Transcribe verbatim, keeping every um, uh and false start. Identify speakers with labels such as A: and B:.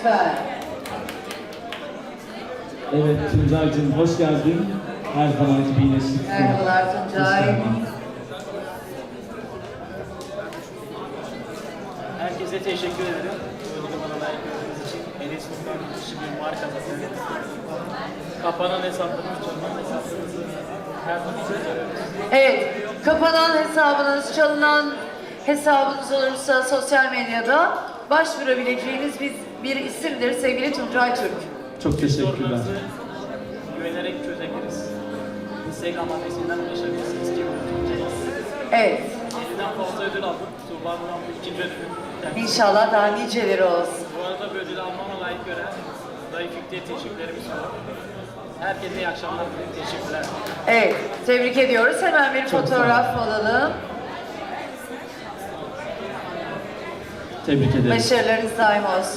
A: lütfen.
B: Evet Tuncay'cığım hoş geldin. Her zamanki bir iyileştik.
A: Merhabalar Tuncay.
C: Herkese teşekkür ederim. Böyle bana layık gördüğünüz için. Enes Furkan kişi bir marka zaten. Kapanan hesaplarımız, çalınan hesaplarımızı her zaman
A: Evet, kapanan hesabınız, çalınan hesabınız olursa sosyal medyada başvurabileceğiniz bir, bir isimdir sevgili Tuncay Türk.
B: Çok teşekkürler.
C: sorularınızı güvenerek çözebiliriz. Instagram adresinden ulaşabilirsiniz. Kim tutacağız?
A: Evet,
C: yediden fazla ödül aldım. Tuğba'nın bu ikinci ödülü. Yani
A: inşallah daha niceleri olsun.
C: bu arada bu ödülü almama layık gören Dayı Fikri'ye teşekkürlerimiz var. Herkese iyi akşamlar. Teşekkürler.
A: Evet, tebrik ediyoruz. Hemen bir
B: Çok sağ
A: fotoğraf alalım.
B: Tebrik ederim.
A: Başarılarınız daim olsun.